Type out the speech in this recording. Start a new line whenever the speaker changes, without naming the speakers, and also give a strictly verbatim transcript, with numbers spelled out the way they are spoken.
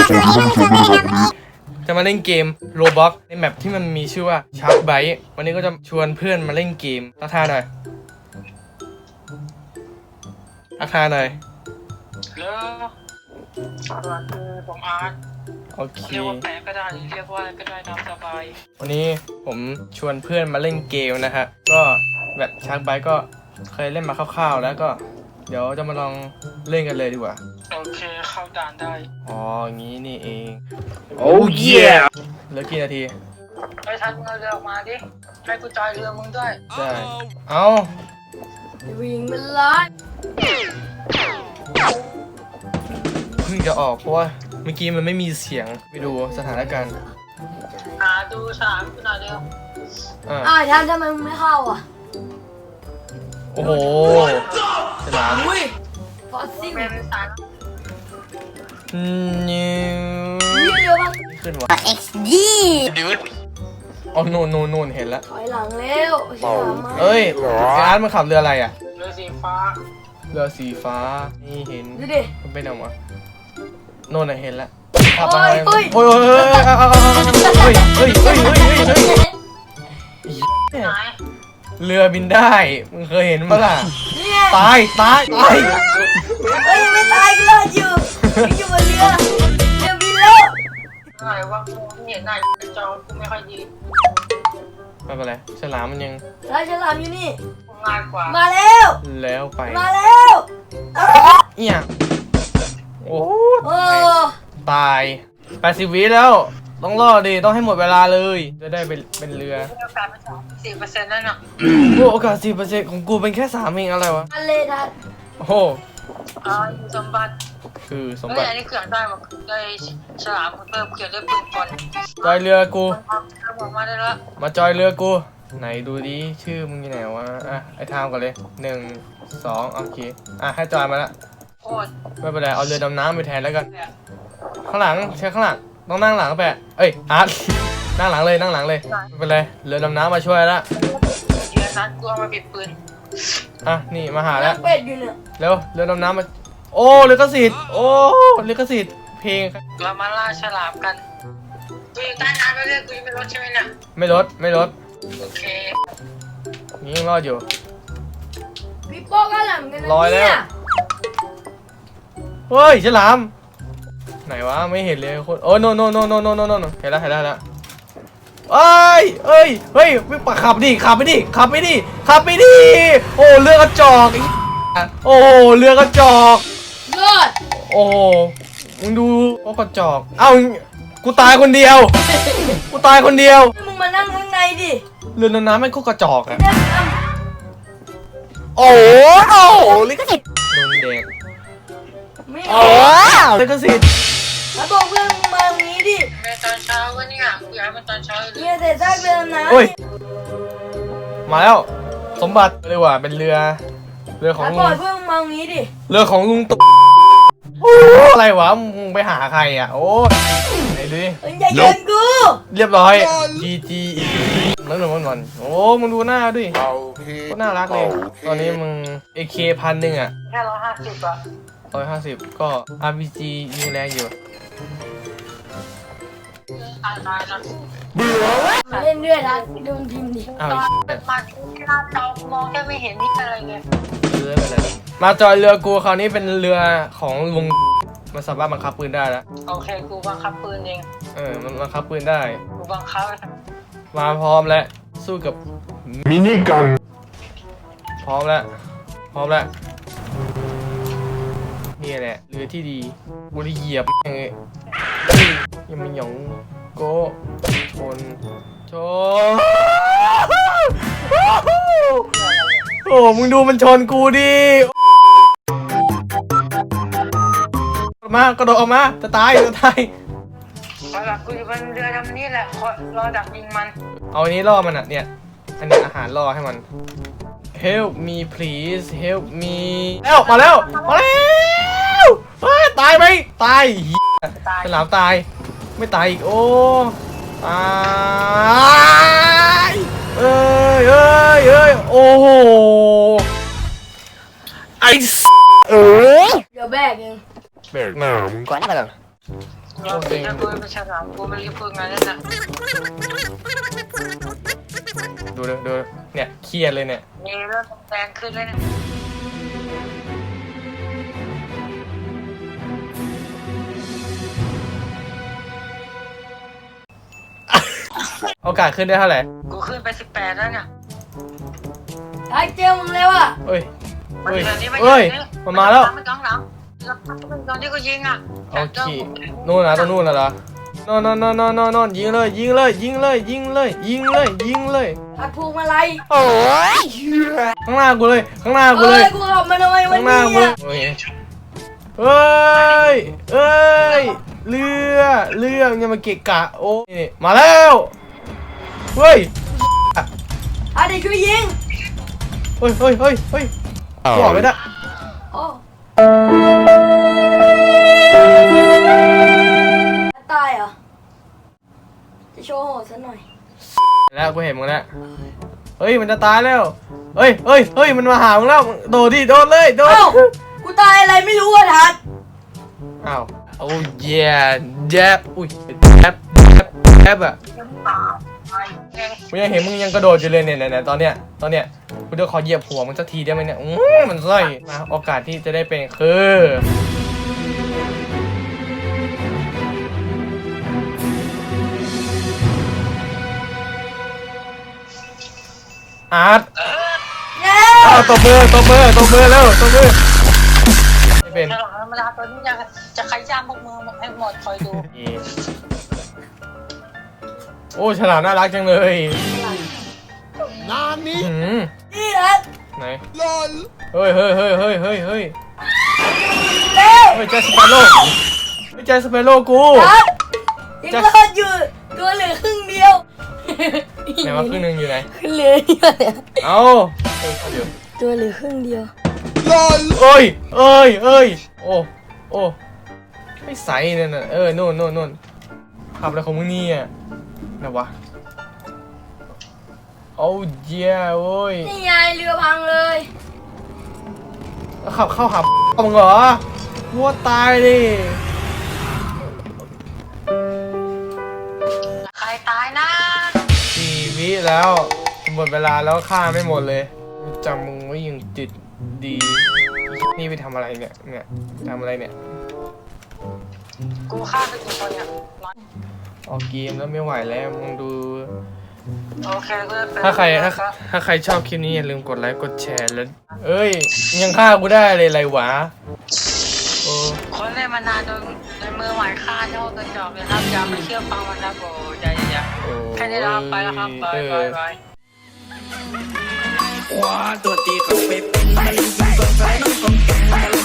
จะมาเล่นเกม Roblox ในแมปที่มันมีชื่อว่า Shark Bite วันนี้ก็จะชวนเพื่อนมาเล่นเกมทักทายหน่อยทักทายหน่อย
แล้วสวัสดีผมอาร์ต
โอเค
เรียกว่าแปะก็ได้เรียกว่าอะไรก็ได้ตามสบาย
วันนี้ผมชวนเพื่อนมาเล่นเกมนะฮะก็แบบ Shark Bite ก็เคยเล่นมาคร่าวๆแล้วก็เดี๋ยวจะมาลองเล่นกันเลยดีกว่า
โอเคเข้าด่านได้
อ๋ออย่างนี้นี่เองโอ้ยเหลือกี่นาที
ไปทันเงเรือออกมาดิให้กูจอยเรือมึงด้วย
ใช่เอา
วิ่งมันร้อน
เพิ่งจะออกเพราะว่าเมื่อกี้มันไม่มีเสียงไปดูสถานการณ์
หาดูสามกูหน่อยเร็ว
อ่า
อ้าวท่านทำไมมึงไม่เข้าอ่ะ
โอ้โหฉลาม
อุ้ยฟอสซิล
เป็นสาร
นิว
เยอะมาก
ขึ้นวะ
เอ็กซ์ดี
ดูดอ๋อโน่นโน่นโน่นเห็นแล้ว
ถอยหลังเร็วฉลามมา
เอ้ยอาร์ตมันขับเรืออะไรอ่ะ
เรือสีฟ้า
เรือสีฟ้านี่เห็น
ดูดิ
มันเป็นอะไรวะโน่นน่ะเห็นแล้วขับ
ไป
โอ้ยโอ้ยโอ้ยเฮ้ยเฮ้ยเฮ้ยเฮ้ยเฮ้ยเฮ้ยเรือบินได้มึงเคยเห็นมั้ยล่ะตายตายตาย
เฮ้ยยังไม่ตายก็รอดอยู่ยังอยู่บนเรือเรือบินแล้ว
อะไรวะกูเห็นหน้าจอกูไม่ค่อยดี
ไม่เป็นไรฉลามมันยัง
แล้วฉลามอยู่นี่
ง่ายกว่า
มาแล้ว
แล้วไป
มาแล้ว
เอี่ยโอ้
โอ้
ตายแปดสิบวิแล้วต้องรอดิต้องให้หมดเวลาเลยจะได้เป็นเป็นเรือ
โอกาสเป็นสองสี่เปอร์เซ็นต์นั่นน่ะ
โอ้โอกาสสี่เปอร์เซ็นต์ของกูเป็นแค่สามเองอะไรวะ
ทะเลทัด
โอ้โห
อ่าสมบัติ
คือสมบั
ติอันนี้เขื่อนได้มาได้ฉลามเพิ่มเขื่อนได้ปืนกล
จอยเรือกู
มาได้แล้ว
มาจอยเรือกูไหนดูดิชื่อมึงอยู่ไหนวะอ่ะไอ้ทามก่อนเลยหนึ่งสองโอเคอ่ะให้จอยมาละไม่เป็นไรเอาเรือดำน้ำไปแทนแล้วกันข้างหลังใช้ข้างหลังต้องนั่งหลังแปะเอ้ยอาร์ตนั่งหลังเลยนั่งหลังเลยไม่เป็นไรเรือดำน้ำมาช่วยละ
เรือนั้นกูเอามาปิดปืน
อ่ะนี่มาหาแล้ว
เป็ดอยู่เนี่ย
เร็วเรือดำน้ำมาโอ้ลิขสิทธิ์โอ้ลิขสิทธิ์เพลง
เรามาล่าฉลามกันกูอยู่ใต้น้ำไปเรื่อยกูยังไม่ลดใช่ไหมเนี่ย
ไม่ลดไม่ลด
โอเค
นี่ยังรอดอยู่
พี่โป้ก็หลังกันนะ
ลอยแล้วเฮ้ยฉลามไหนวะไม่เห็นเลยคนโอ้โนโนโนโนโนโนโนเห็นแล้วเห็นแล้วเห็นแล้วเอ้ยเอ้ยเฮ้ยวิ่งปะขับดิขับไปดิขับไปดิขับไปดิโอ้เรือกระจอกโอ้เรือกระจอก
เลิศ
โอ้มึงดูโอ้กระจอกเอ้ากูตายคนเดียวกูตายคนเดียว
มึงมานั่งข้างในดิ
เรือน้ำไม่ก็กระจอกอะ
โอ้
โหลิขสิทธิ์โดนเด็ก
ไม่
โอ้ลิขสิทธิ์
มาบอกเพื่อนมึงมาตรงนี้ดิ
ในตอนเช้าวันนี้อ่ะกูอยากให้มันตอนเช้าเลย
เนี่ยเสร็จได้เรือน้
ำโอ้ยมาแล้วสมบัติเลยว่ะเป็นเรือเรือของลุง
บอกเพื่อนมึงมาตรงนี้ดิ
เรือของลุงตุ๊โอ้อะไรวะมึงไปหาใครอ่ะโอ้ไหนดูดิ
อย่าเยินกู
เรียบร้อยจีจีนั่นหนึ่งวันก่อนโอ้มึงดูหน้าดิก็น่ารักเลยตอนนี้มึง เอ เค พันหนึ่งอ่ะ
แค่ร้อยห้าสิบอ่ะ
ร้อยห้าสิบก็ อาร์ พี จี ยิงแรงอยู่
มาเล่นด้วยนะโดนทีมดิ
อ้าว
มาที่หน้าจอมองแค่ไม่เห็นนี่อะไรเลย
เรืออะไรมาจอยเรือกูคราวนี้เป็นเรือของลุงมันสามารถบังคับปืนได้แล้ว
โอเคกูบังคับปืนเอง
เออมันบังคับปืนได้
กูบังคับ
มาพร้อมแล้วสู้กับ
มินิกัน
พร้อมแล้วพร้อมแล้วนี่แหละเรือที่ดีกูได้เหยียบแม่งเลยยังไม่หยองโกชนชนโอ้มึงดูมันชนกูดิมากระโดดออกมาจะตายจะตาย
เอาล่ะกูอยู่บนเรือลำนี้แหละรอดักยิงมัน
เอาอันนี้ล่อมันอ่ะเนี่ยอันนี้อาหารล่อให้มัน help me please help me แล้วมาแล้วมาแล้วตายไหมตายฉลามตายไม่ตายอีกโอ้ตายเอ้ยเอ้ยเอ้ยโอ้โหไอ้เออ
เดี๋ยวแบกเอง
แบกหนามึง
ก่อนนะไปก่อน
เราเป็นกูเป็นฉลามกูไม่รีบพูดงานนั่นน่ะ
ดูดูดูเนี่ยเครียดเลยเนี่ย
มีเริ่มแรงขึ้นเลยนะ
โอกาสขึ้นได้เท่าไหร่
กูขึ้นไปสิบแปดแล้วเนี่ย
ไอ้เจอมึงแล้วอ่ะ
เอ้ย
มัน
เอ้ย
เดือนนี้
เอ้ยมันมาแล้ว
มันกลางหลังแล้วมันตอนที่กูยิงอ่ะ
โอเคนู่นนะตรงนู่นน่ะเหรอโน่นโน่นโน่นโน่นโน่นโน่นยิงเลยยิงเลยยิงเลยยิงเลยยิงเลยยิงเลย
หักพวงมาลัย
โอ้ยข้างหน้ากูเลยข้างหน้ากู
เอ้
เลย ย
กูขับมาทำไมวัน
ข้างหน้า
นี้
กูเลย
อ่ะ
โอ้ยเอ้ยเอ้ยเรือเรือยังมาเกะกะโอ้ยมาแล้วเฮ้ย
อ่ะเดี๋ยวช่วยยิง
เฮ้ยเฮ้ยเฮ้ยเฮ้ยกูออกเลยนะ
โอ้ตายเหรอจะโชว์โหดซะหน่อย
แล้วกูเห็นมึงแล้วเฮ้ยมันจะตายแล้วเฮ้ยเฮ้ยเฮ้ยมันมาหามึงแล้วโดดดิโดดเลยโดด
เอ้ากูตายอะไรไม่รู้อ่ะทัด
อ้าวโอ้ยแย่แจ๊บอุ้ยแจ๊บแจ๊บแจ๊บอะกูยังเห็นมึงยังกระโดดอยู่เลยเนี่ยเนี่ยตอนเนี้ยตอนเนี้ยกูจะขอเหยียบหัวมึงสักทีได้ไหมเนี่ยอื้อมันไส้มาโอกาสที่จะได้เป็นคืออาร์ต
เย้
อ้าวตบมือตบมือตบมือแล้วตบมือไม่เป็น
ฉลามธรรมดาตัวนี้จะจะขย้ำพวกมือมันให้หมดคอยดู
โอ้ฉลามน่ารักจังเลยหืม
นี่ทัด
ไหนเฮ้ยเฮ้ยเฮ้ยเฮ้ยเฮ้ยเฮ้ย
เร็ว
เฮ้ยแจ็คสเปโร่ไม่แจ็คสเปโร่กู
ทัดยังรอดอยู่ตัวเหลือครึ่งเดียว
ไหนว่าครึ่งหนึงอยู่ไหน
เหลือเดียวเนี่ย
เอ้าเอ้ยเดี๋ยว
ตัวเหลือครึ่งเดียว
เอ้ยเอ้ยเอ้ยโอ้โอ้ไม่ใสเนี่ยน่ะเออนู่นนู่นนู่นขับอะไรของมึงเนี่ยไหนวะโอ้เจ้าโอ้ย
นี่ไงเรือพังเลย
แล้วขับเข้าหามึงเหรอวัวตายดิ
ใครตายนะ
สี่วิแล้วหมดเวลาแล้วฆ่าไม่หมดเลยจำมึงไว้ยังติดดีนี่ไปทำอะไรเนี่ยเนี่ยทำอะไรเนี่ย
กูฆ่าไปกี่คนเนี่ย
ออกเกมแล้วไม่ไหวแล้วมึงดู
โอเคก็เป็น
ถ้าใครถ้าถ้าใครชอบคลิปนี้อย่าลืมกดไลค์กดแชร์แล้วเอ้ยยังฆ่ากูได้เลยไรวะโอ้
คนเล่นมานานโดนโดนมือหมายฆ่าเจ้ากระจอกเลยครับอย่าไปเชื่อฟังมันนะโอ้ยอย่าอย่า
โอ้
แค่นี้เราไปแล้วครับบายบายบาย
ว่าตัวตีเขาไปเป็นมันกินก็ใส่น้องก็แกง